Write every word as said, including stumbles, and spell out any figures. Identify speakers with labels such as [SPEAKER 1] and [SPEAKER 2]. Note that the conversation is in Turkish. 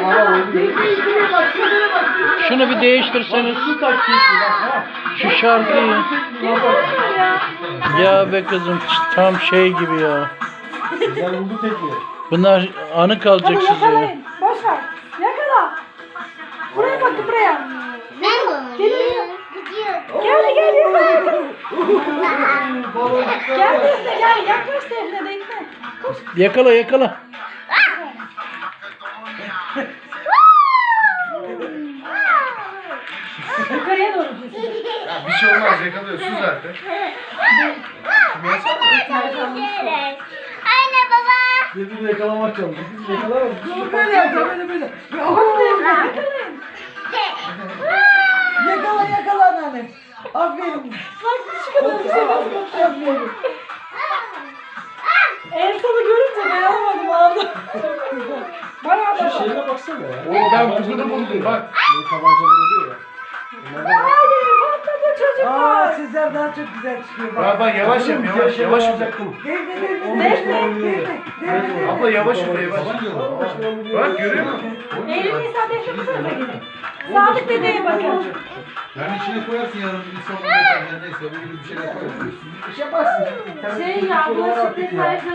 [SPEAKER 1] Şunu bir değiştirseniz. Şu şarkıyı. Ya be kızım tam şey gibi ya. Bunlar anı kalacak size.
[SPEAKER 2] Yakalayın. Boş ver. Yakala. Buraya bakın buraya.
[SPEAKER 3] Ben de
[SPEAKER 2] Geliyor.
[SPEAKER 3] gidiyor.
[SPEAKER 2] Gel gel yakala. Gel Defne gel. Yaklaş Defne Defne. Koş.
[SPEAKER 1] Yakala yakala.
[SPEAKER 2] Yukarıya doğru gidiyorsun.
[SPEAKER 4] Ya bir şey olmaz yakalıyorsun zaten.
[SPEAKER 3] Anne baba.
[SPEAKER 4] Birbirini yakalamak lazım. Biz yakalarız.
[SPEAKER 2] Böyle yapacağım böyle böyle. Bak Defne yakalayın. Yakala yakala anneanne. Aferin. Bak şu kadar bir şey nasıl yapıyorum. Elsa'nı görünce dayanamadım ağladım. Bana da.
[SPEAKER 4] Şeyine baksana ya. Oo ben kızını buldum bak. Böyle tabancalar oluyor ya.
[SPEAKER 2] Hadi patladı çocuklar.
[SPEAKER 5] Aa sizler daha çok güzel çıkıyor.
[SPEAKER 4] Bak bak yavaş yap yavaş yavaş yap.
[SPEAKER 5] Devre devre
[SPEAKER 2] Defne,
[SPEAKER 5] devre devre.
[SPEAKER 4] Abla yavaş yap yavaş. Bak görüyor musun?
[SPEAKER 2] Eylül Nisa Defne bu tarafa gidin. Sadık dedeye bakın.
[SPEAKER 6] Yani içine koyarsın yarın bir sabun yeter neyse böyle bir şeyler koyarsın.
[SPEAKER 5] Bir şey yaparsın.
[SPEAKER 2] Şey ya bulaşık detayı